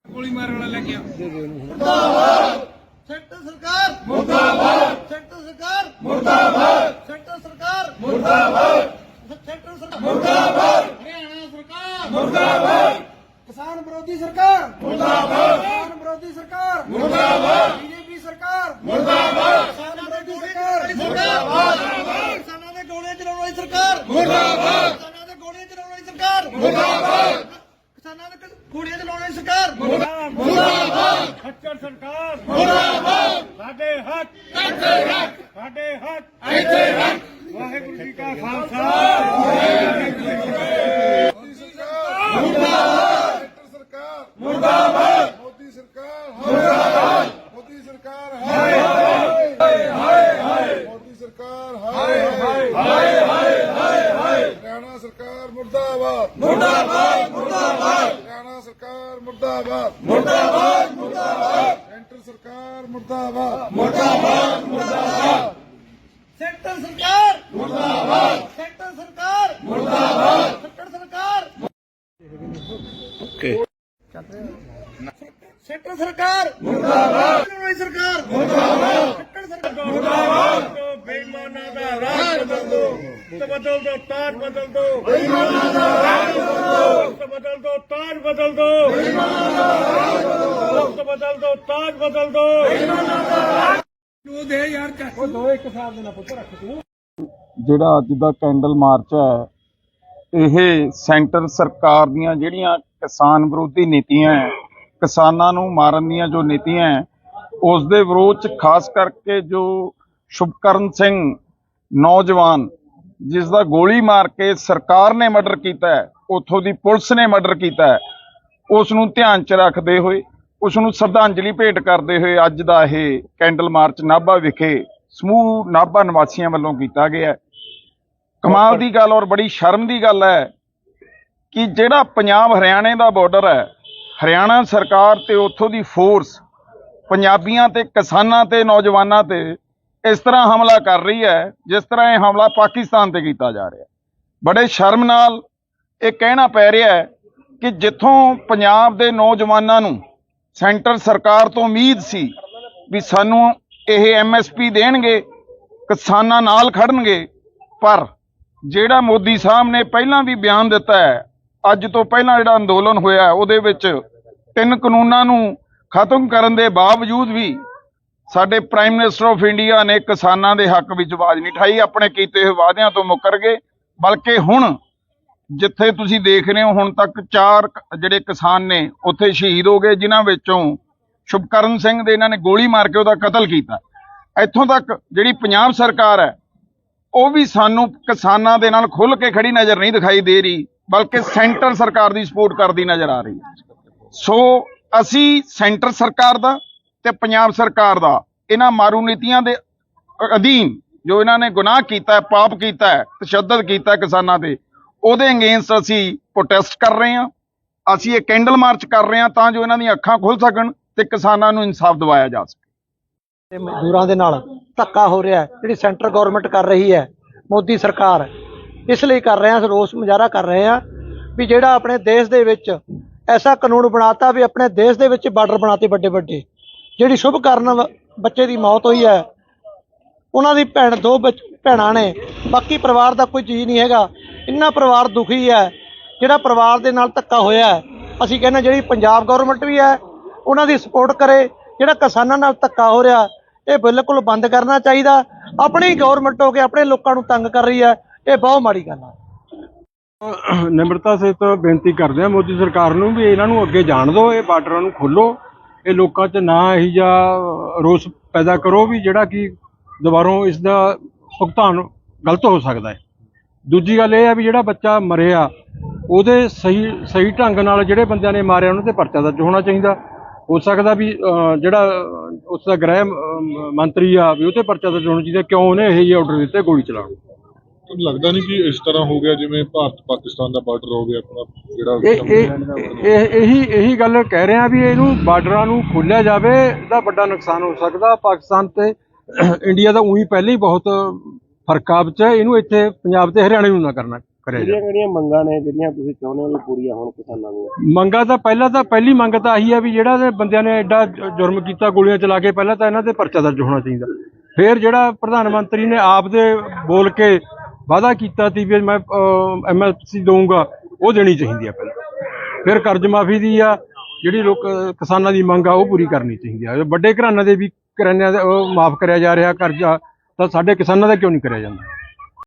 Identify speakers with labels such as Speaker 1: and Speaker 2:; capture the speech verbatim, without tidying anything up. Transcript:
Speaker 1: गोली मारने वाला लग गया।
Speaker 2: मुर्दाबाद सेंटर सरकार मुर्दाबाद सेंटर सरकार मुर्दाबाद सेंटर सरकार मुर्दाबाद सेंटर सरकार मुर्दाबाद हरियाणा सरकार मुर्दाबाद किसान विरोधी सरकार मुर्दाबाद किसान विरोधी सरकार मुर्दाबाद बीजेपी सरकार मुर्दाबाद किसान विरोधी सरकार मुर्दाबाद किसानों ने गोले चलाने वाली सरकार मुर्दाबाद किसानों ने गोले चलाने वाली सरकार मुर्दाबाद किसानों ने गोलियां चलाने वाली सरकार मुर्दाबाद
Speaker 1: खच्चर सरकार
Speaker 2: मुर्दाबाद
Speaker 1: साडे हक
Speaker 2: ਇੱਥੇ ਰੱਖ
Speaker 1: साडे हक
Speaker 2: ਇੱਥੇ ਰੱਖ
Speaker 1: वाहिगुरू जी का खालसा
Speaker 2: मुर्दाबाद सरकार मुर्दाबाद मोदी सरकार मुर्दाबाद मोदी सरकार हाय हाय हाय हाय मोदी सरकार हाय हाय हाय हाय हाय हाय हरियाणा सरकार मुर्दाबाद मुर्दाबाद मुर्दाबाद हरियाणा सरकार मुर्दाबाद मुर्दाबाद मुर्दाबाद सेंटर सरकार मुर्दाबाद मुर्दाबाद मुर्दाबाद सेंटर सरकार मुर्दाबाद सेंटर सरकार मुर्दाबाद सेंटर सरकार
Speaker 3: ओके
Speaker 2: सेंटर सरकार मुर्दाबाद सरकार मुर्दाबाद सेंटर सरकार मुर्दाबाद
Speaker 1: तो बेईमाना दा राज बदल दो तो बदल दो ताज बदल दो
Speaker 2: बेईमाना दा राज बदल दो
Speaker 1: तो बदल दो ताज बदल दो
Speaker 2: बेईमाना दा राज बदल दो
Speaker 1: तो बदल दो ताज बदल दो
Speaker 2: बेईमाना दा राज
Speaker 1: वो दे यार क्या वो दो एक साल देना पुत्र रख तू
Speaker 4: ਜਿਹੜਾ ਅੱਜ ਦਾ ਕੈਂਡਲ ਮਾਰਚ ਹੈ ਇਹ ਸੈਂਟਰ ਸਰਕਾਰ ਦੀਆਂ ਜਿਹੜੀਆਂ ਕਿਸਾਨ ਵਿਰੋਧੀ ਨੀਤੀਆਂ ਹੈ, ਕਿਸਾਨਾਂ ਨੂੰ ਮਾਰਨ ਦੀਆਂ ਜੋ ਨੀਤੀਆਂ ਹੈ, ਉਸ ਦੇ ਵਿਰੋਧ 'ਚ ਖਾਸ ਕਰਕੇ ਜੋ ਸ਼ੁਭਕਰਨ ਸਿੰਘ ਨੌਜਵਾਨ ਜਿਸ ਦਾ ਗੋਲੀ ਮਾਰ ਕੇ ਸਰਕਾਰ ਨੇ ਮਰਡਰ ਕੀਤਾ ਹੈ, ਉੱਥੋਂ ਦੀ ਪੁਲਿਸ ਨੇ ਮਰਡਰ ਕੀਤਾ ਹੈ, ਉਸ ਨੂੰ ਧਿਆਨ 'ਚ ਰੱਖਦੇ ਹੋਏ ਉਸ ਨੂੰ ਸ਼ਰਧਾਂਜਲੀ ਭੇਟ ਕਰਦੇ ਹੋਏ ਅੱਜ ਦਾ ਇਹ ਕੈਂਡਲ ਮਾਰਚ ਨਾਭਾ ਵਿਖੇ ਸਮੂਹ ਨਾਭਾ ਨਿਵਾਸੀਆਂ ਵੱਲੋਂ ਕੀਤਾ ਗਿਆ। ਕਮਾਲ ਦੀ ਗੱਲ ਔਰ ਬੜੀ ਸ਼ਰਮ ਦੀ ਗੱਲ ਹੈ ਕਿ ਜਿਹੜਾ ਪੰਜਾਬ ਹਰਿਆਣੇ ਦਾ ਬਾਰਡਰ ਹੈ, ਹਰਿਆਣਾ ਸਰਕਾਰ ਤੇ ਉੱਥੋਂ ਦੀ ਫੋਰਸ ਪੰਜਾਬੀਆਂ ਤੇ ਕਿਸਾਨਾਂ ਤੇ ਨੌਜਵਾਨਾਂ ਤੇ ਇਸ ਤਰ੍ਹਾਂ ਹਮਲਾ ਕਰ ਰਹੀ ਹੈ ਜਿਸ ਤਰ੍ਹਾਂ ਇਹ ਹਮਲਾ ਪਾਕਿਸਤਾਨ ਤੇ ਕੀਤਾ ਜਾ ਰਿਹਾ। ਬੜੇ ਸ਼ਰਮ ਨਾਲ ਇਹ ਕਹਿਣਾ ਪੈ ਰਿਹਾ ਹੈ ਕਿ ਜਿੱਥੋਂ ਪੰਜਾਬ ਦੇ ਨੌਜਵਾਨਾਂ ਨੂੰ ਸੈਂਟਰ ਸਰਕਾਰ ਤੋਂ ਉਮੀਦ ਸੀ ਵੀ ਸਾਨੂੰ ਇਹ ਐਮ ਐਸ ਪੀ ਦੇਣਗੇ, ਕਿਸਾਨਾਂ ਨਾਲ ਖੜਨਗੇ, ਪਰ ਜਿਹੜਾ ਮੋਦੀ ਸਾਹਿਬ ਨੇ ਪਹਿਲਾਂ ਵੀ ਬਿਆਨ ਦਿੱਤਾ ਹੈ, ਅੱਜ ਤੋਂ ਪਹਿਲਾਂ ਜਿਹੜਾ ਅੰਦੋਲਨ ਹੋਇਆ ਉਹਦੇ ਵਿੱਚ ਤਿੰਨ ਕਾਨੂੰਨਾਂ ਨੂੰ ਖਤਮ ਕਰਨ ਦੇ ਬਾਵਜੂਦ ਵੀ ਸਾਡੇ ਪ੍ਰਾਈਮ ਮਿਨਿਸਟਰ ਆਫ ਇੰਡੀਆ ਨੇ ਕਿਸਾਨਾਂ ਦੇ ਹੱਕ ਵਿੱਚ ਆਵਾਜ਼ ਨਹੀਂ ਉਠਾਈ, ਆਪਣੇ ਕੀਤੇ ਹੋਏ ਵਾਅਦਿਆਂ ਤੋਂ ਮੁੱਕਰ ਗਏ। ਬਲਕਿ ਹੁਣ ਜਿੱਥੇ ਤੁਸੀਂ ਦੇਖ ਰਹੇ ਹੋ ਹੁਣ ਤੱਕ ਚਾਰ ਜਿਹੜੇ ਕਿਸਾਨ ਨੇ ਉੱਥੇ ਸ਼ਹੀਦ ਹੋ ਗਏ, ਜਿਨ੍ਹਾਂ ਵਿੱਚੋਂ ਸ਼ੁਭਕਰਨ ਸਿੰਘ ਦੇ ਇਹਨਾਂ ਨੇ ਗੋਲੀ ਮਾਰ ਕੇ ਉਹਦਾ ਕਤਲ ਕੀਤਾ। ਇੱਥੋਂ ਤੱਕ ਜਿਹੜੀ ਪੰਜਾਬ ਸਰਕਾਰ ਹੈ ਉਹ ਵੀ ਸਾਨੂੰ ਕਿਸਾਨਾਂ ਦੇ ਨਾਲ ਖੁੱਲ੍ਹ ਕੇ ਖੜੀ ਨਜ਼ਰ ਨਹੀਂ ਦਿਖਾਈ ਦੇ ਰਹੀ, ਬਲਕਿ ਸੈਂਟਰ ਸਰਕਾਰ ਦੀ ਸਪੋਰਟ ਕਰਦੀ ਨਜ਼ਰ ਆ ਰਹੀ ਹੈ। ਸੋ ਅਸੀਂ ਸੈਂਟਰ ਸਰਕਾਰ ਦਾ ਤੇ ਪੰਜਾਬ ਸਰਕਾਰ ਦਾ ਇਹਨਾਂ ਮਾਰੂ ਨੀਤੀਆਂ ਦੇ ਅਧੀਨ ਜੋ ਇਹਨਾਂ ਨੇ ਗੁਨਾਹ ਕੀਤਾ ਹੈ, ਪਾਪ ਕੀਤਾ ਹੈ, ਤਸ਼ੱਦਦ ਕੀਤਾ ਕਿਸਾਨਾਂ ਤੇ, ਉਹਦੇ ਅਗੇਂਸਟ ਅਸੀਂ ਪ੍ਰੋਟੈਸਟ ਕਰ ਰਹੇ ਹਾਂ। ਅਸੀਂ ਇਹ ਕੈਂਡਲ ਮਾਰਚ ਕਰ ਰਹੇ ਹਾਂ ਤਾਂ ਜੋ ਇਹਨਾਂ ਦੀਆਂ ਅੱਖਾਂ ਖੁੱਲ੍ਹ ਸਕਣ ਤੇ ਕਿਸਾਨਾਂ ਨੂੰ ਇਨਸਾਫ ਦਿਵਾਇਆ ਜਾ ਸਕੇ।
Speaker 5: ਤੇ ਮਜ਼ਦੂਰਾਂ ਦੇ ਨਾਲ ਧੱਕਾ ਹੋ ਰਿਹਾ, ਜਿਹੜੀ ਸੈਂਟਰ ਗਵਰਨਮੈਂਟ ਕਰ ਰਹੀ ਹੈ, ਮੋਦੀ ਸਰਕਾਰ, ਇਸ ਲਈ ਕਰ ਰਹੇ ਹਾਂ, ਰੋਸ ਮੁਜ਼ਾਹਰਾ ਕਰ ਰਹੇ ਹਾਂ ਵੀ ਜਿਹੜਾ ਆਪਣੇ ਦੇਸ਼ ਦੇ ਵਿੱਚ ਐਸਾ ਕਾਨੂੰਨ ਬਣਾਤਾ ਵੀ ਆਪਣੇ ਦੇਸ਼ ਦੇ ਵਿੱਚ ਬਾਰਡਰ ਬਣਾਤੇ ਵੱਡੇ ਵੱਡੇ। ਜਿਹੜੀ ਸ਼ੁਭਕਰਨ ਬੱਚੇ ਦੀ ਮੌਤ ਹੋਈ ਹੈ, ਉਹਨਾਂ ਦੀ ਭੈਣ ਦੋ ਭੈਣਾਂ ਨੇ, ਬਾਕੀ ਪਰਿਵਾਰ ਦਾ ਕੋਈ ਚੀਜ਼ ਨਹੀਂ ਹੈਗਾ। ਇੰਨਾ ਪਰਿਵਾਰ ਦੁਖੀ ਹੈ ਜਿਹੜਾ ਪਰਿਵਾਰ ਦੇ ਨਾਲ ਧੱਕਾ ਹੋਇਆ ਹੈ। ਅਸੀਂ ਕਹਿੰਦੇ ਜਿਹੜੀ ਪੰਜਾਬ ਗਵਰਨਮੈਂਟ ਵੀ ਹੈ ਉਹਨਾਂ ਦੀ ਸਪੋਰਟ ਕਰੇ। ਜਿਹੜਾ ਕਿਸਾਨਾਂ ਨਾਲ ਧੱਕਾ ਹੋ ਰਿਹਾ ਇਹ ਬਿਲਕੁਲ ਬੰਦ ਕਰਨਾ ਚਾਹੀਦਾ। ਆਪਣੀ ਗਵਰਨਮੈਂਟ ਹੋ ਕੇ ਆਪਣੇ ਲੋਕਾਂ ਨੂੰ ਤੰਗ ਕਰ ਰਹੀ ਹੈ, ਇਹ ਬਹੁਤ ਮਾੜੀ ਗੱਲ ਹੈ।
Speaker 6: ਨਿਮਰਤਾ ਸਹਿਤ ਬੇਨਤੀ ਕਰਦੇ ਹਾਂ ਮੋਦੀ ਸਰਕਾਰ ਨੂੰ ਵੀ ਇਹਨਾਂ ਨੂੰ ਅੱਗੇ ਜਾਣ ਦਿਓ, ਇਹ ਬਾਰਡਰਾਂ ਨੂੰ ਖੋਲ੍ਹੋ, ਇਹ ਲੋਕਾਂ 'ਚ ਨਾ ਇਹੀ ਜਿਹਾ ਰੋਸ ਪੈਦਾ ਕਰੋ ਵੀ ਜਿਹੜਾ ਕਿ ਦੁਬਾਰੋਂ ਇਸ ਦਾ ਭੁਗਤਾਨ ਗਲਤ ਹੋ ਸਕਦਾ ਹੈ। ਦੂਜੀ ਗੱਲ ਇਹ ਹੈ ਵੀ ਜਿਹੜਾ ਬੱਚਾ ਮਰਿਆ ਉਹਦੇ ਸਹੀ ਸਹੀ ਢੰਗ ਨਾਲ ਜਿਹੜੇ ਬੰਦਿਆਂ ਨੇ ਮਾਰਿਆ ਉਹਨਾਂ 'ਤੇ ਪਰਚਾ ਦਰਜ ਹੋਣਾ ਚਾਹੀਦਾ। ਹੋ ਸਕਦਾ ਵੀ ਜਿਹੜਾ ਉਸ ਦਾ ਗ੍ਰਹਿ ਮੰਤਰੀ ਆ ਵੀ ਉਹ 'ਤੇ ਪਰਚਾ ਦਰਜ ਹੋਣਾ ਚਾਹੀਦਾ, ਕਿਉਂ ਉਹਨੇ ਇਹੋ ਜਿਹੇ ਆਰਡਰ ਦਿੱਤੇ ਗੋਲੀ ਚਲਾਉਣ।
Speaker 7: ਤੁਹਾਨੂੰ ਲੱਗਦਾ ਨਹੀਂ ਕਿ ਇਸ ਤਰ੍ਹਾਂ ਹੋ ਗਿਆ ਜਿਵੇਂ ਭਾਰਤ ਪਾਕਿਸਤਾਨ ਦਾ ਬਾਰਡਰ ਹੋ ਗਿਆ ਆਪਣਾ
Speaker 6: ਜਿਹੜਾ ਇਹ ਇਹੀ ਇਹੀ ਗੱਲ ਕਹਿ ਰਹੇ ਆ ਵੀ ਇਹਨੂੰ ਬਾਰਡਰਾਂ ਨੂੰ ਖੋਲ੍ਹਿਆ ਜਾਵੇ, ਇਹਦਾ ਵੱਡਾ ਨੁਕਸਾਨ ਹੋ ਸਕਦਾ। ਪਾਕਿਸਤਾਨ ਤੇ ਇੰਡੀਆ ਦਾ ਉਹੀ ਪਹਿਲਾਂ ਹੀ ਬਹੁਤ ਫਰਕ ਆ ਵਿੱਚ, ਇਹਨੂੰ ਇੱਥੇ ਪੰਜਾਬ ਤੇ ਹਰਿਆਣੇ ਨੂੰ ਨਾ ਕਰਨਾ ਕਰਿਆ ਜਾਵੇ।
Speaker 1: ਕਿਹੜੀਆਂ ਮੰਗਾਂ ਨੇ ਜਿਹੜੀਆਂ ਤੁਸੀਂ ਚਾਹੁੰਦੇ ਹੋ ਵੀ ਪੂਰੀਆਂ ਹੋਣ ਕਿਸਾਨਾਂ ਦੀਆਂ?
Speaker 6: ਮੰਗਾਂ ਤਾਂ ਪਹਿਲਾਂ ਤਾਂ ਪਹਿਲੀ ਮੰਗ ਤਾਂ ਆਹੀ ਹੈ ਵੀ ਜਿਹੜਾ ਇਹ ਬੰਦਿਆਂ ਨੇ ਐਡਾ ਜ- ਜੁਰਮ ਕੀਤਾ ਗੋਲੀਆਂ ਚਲਾ ਕੇ, ਪਹਿਲਾਂ ਤਾਂ ਇਹਨਾਂ ਤੇ ਪਰਚਾ ਦਰਜ ਹੋਣਾ ਚਾਹੀਦਾ। ਫਿਰ ਜਿਹੜਾ ਪ੍ਰਧਾਨ ਮੰਤਰੀ ਨੇ ਆਪ ਦੇ ਬੋਲ ਕੇ ਵਾਅਦਾ ਕੀਤਾ ਸੀ ਵੀ ਮੈਂ ਐਮ ਐਸ ਪੀ ਦਊਂਗਾ, ਉਹ ਦੇਣੀ ਚਾਹੀਦੀ ਆ ਪਹਿਲਾਂ। ਫਿਰ ਕਰਜ਼ ਮਾਫੀ ਦੀ ਆ ਜਿਹੜੀ ਲੋਕ ਕਿਸਾਨਾਂ ਦੀ ਮੰਗ ਆ ਉਹ ਪੂਰੀ ਕਰਨੀ ਚਾਹੀਦੀ ਆ। ਵੱਡੇ ਘਰਾਣਿਆਂ ਦੇ ਵੀ ਘਰਾਣਿਆਂ ਦਾ ਉਹ ਮਾਫ ਕਰਿਆ ਜਾ ਰਿਹਾ ਕਰਜ਼ਾ, ਤਾਂ ਸਾਡੇ ਕਿਸਾਨਾਂ ਦਾ ਕਿਉਂ ਨਹੀਂ ਕਰਿਆ ਜਾਂਦਾ?